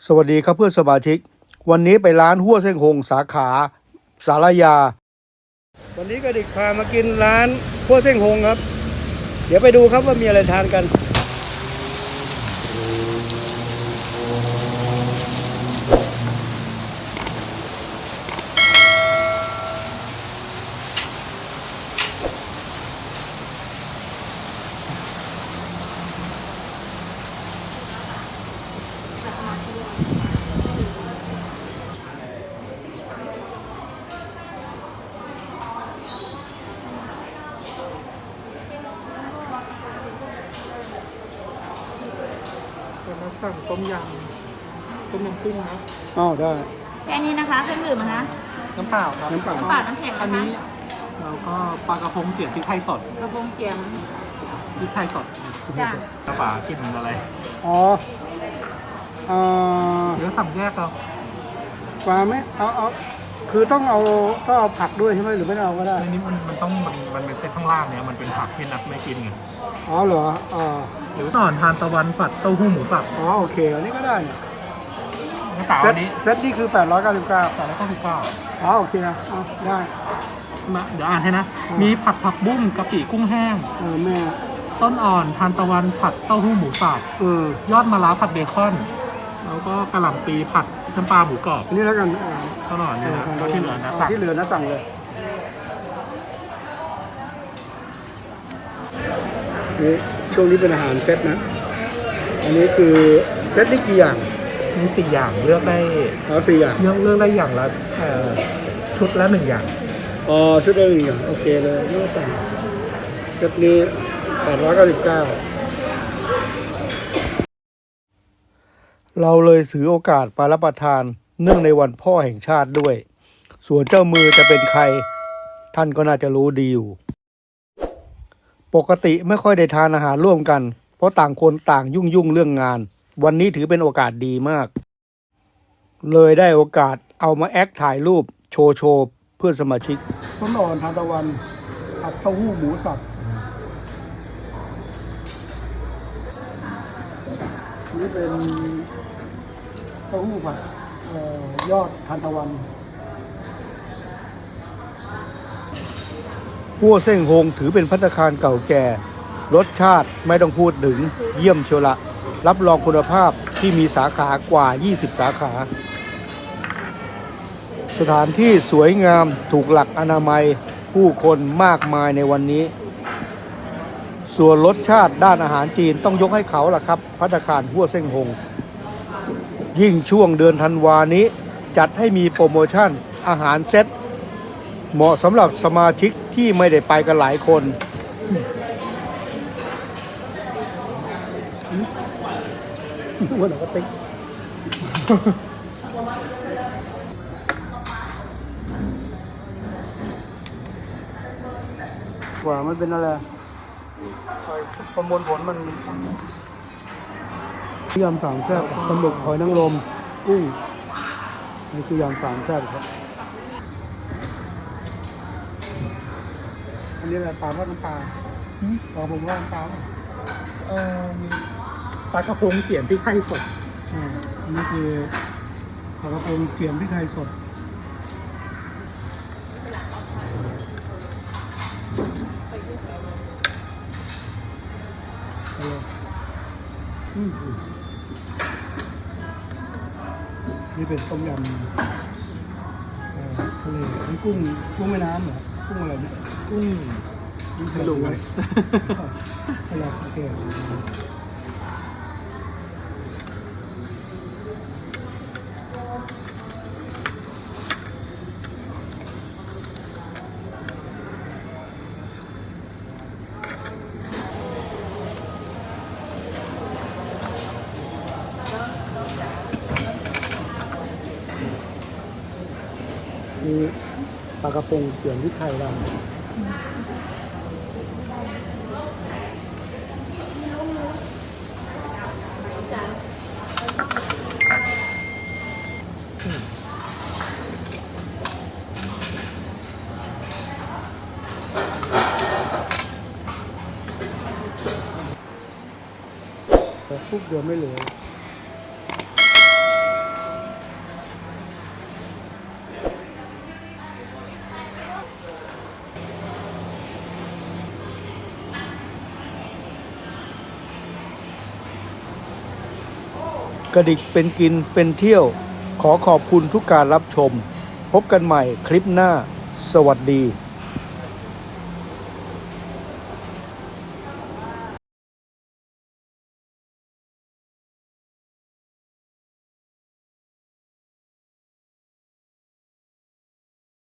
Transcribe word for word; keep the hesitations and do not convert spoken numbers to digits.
สวัสดีครับเพื่อนสมาชิกวันนี้ไปร้านหัวเส้งหงสาขาสารยาวันนี้กระดิกพามากินร้านหัวเส้งหงครับเดี๋ยวไปดูครับว่ามีอะไรทานกันเราสั่งต้มยำต้มยำกุ้งครับอ้าวได้แค่นี้นะคะเครื่องดื่มนะคะน้ำเปล่าครับน้ำเปล่าน้ำเปล่าน้ำแข็งอันนะคะนี้เราก็ปลากระพงเจียวพริกไทยสดกระพงเกียมพริกไทยสดจ้ะกระป๋ากินอะไรอ๋อเอ่อเดี๋ยวสั่งแยกเราปลาไหมเอาเอาคือต้องเอาต้องเอาผักด้วยใช่ไหมหรือไม่เอาก็ได้ในนี้มันมันต้องมันมันเป็นเส้นข้างล่างเนี่ยมันเป็นผักที่นัดไม่กินไงอ๋อเหรออ๋อหรือตอนทานตะวันผัดเต้าหู้หมูสับอ๋อโอเคอันนี้ก็ได้เนี่ยกระเป๋าอันนี้เซตนี่คือแปดร้อยเก้าสิบเก้าแต่แล้วก็สิบเก้าอ๋อโอเคนะเอาได้มาเดี๋ยวอ่านให้นะมีผัดผักบุ้งกะปิกุ้งแห้งเออแม่ต้นอ่อนทานตะวันผัดเต้าหู้หมูสับเออยอดมะระผัดเบคอนแล้วก็กระหล่ำปีผัดน้ำปลาหมูกรอบนี่แล้วกันตลอดเนี่ยนะที่เหลือนะที่เหลือนะสั่งเลยนี่ช่วงนี้เป็นอาหารเซตนะอันนี้คือเซตนี่กี่อย่างมีสี่อย่างเลือกได้อ๋อสี่อย่างเลือกเลือกได้อย่างละชุดละหนึ่งอย่างอ๋อชุดละหนึ่งอย่างโอเคเลยนี่ก็สั่งเซตนี้แปดร้อยเก้าสิบเก้าเราเลยถือโอกาสไปรับประทานเนื่องในวันพ่อแห่งชาติด้วยส่วนเจ้ามือจะเป็นใครท่านก็น่าจะรู้ดีอยู่ปกติไม่ค่อยได้ทานอาหารร่วมกันเพราะต่างคนต่างยุ่งยุ่งเรื่องงานวันนี้ถือเป็นโอกาสดีมากเลยได้โอกาสเอามาแอคถ่ายรูปโชว์โชว์เพื่อนสมาชิกต้นอ่อนทานตะวันผัดเต้าหู้หมูสับนี่เป็นเต้าหู้ผัดยอดทานตะวันหัวเส้งหงถือเป็นภัตตาคารเก่าแก่รสชาติไม่ต้องพูดถึงเยี่ยมเชียวละรับรองคุณภาพที่มีสาขากว่ายี่สิบสาขาสถานที่สวยงามถูกหลักอนามัยผู้คนมากมายในวันนี้ส่วนรสชาติด้านอาหารจีนต้องยกให้เขาล่ะครับภัตตาคารหัวเส้งหงยิ่งช่วงเดือนธันวานี้จัดให้มีโปรโมชั่นอาหารเซ็ตเหมาะสำหรับสมาชิกที่ไม่ได้ไปกันหลายคนวันไหนก็ติ๊กว่ามันเป็นอะไรประมวลผลมันยำสามแซ่บปลาหมึกหอยนางรมกุ้งนี่คือยำสามแซ่บครับอันนี้แหละปลาว่าน้ำปลาปลาผมว่าน้ำปลาเอ่อปลากระพงเจียมพริกไทยสดอันนี้คือปลากระพงเจียมพริกไทยสดนี่เป็นต้มยำทะเลนี่กุ้งกุ้งแม่น้ำเหรอกุ้งอะไรเนี่ยกุ้งไม่รู้เลยอะไรโอเคนี่ปลากระพงเจียมพริกไทยดำปุ๊บเดียวไม่เหลือกระดิกเป็นกินเป็นเที่ยว ขอขอบคุณทุกการรับชม พบกันใหม่คลิปหน้า สวัสดี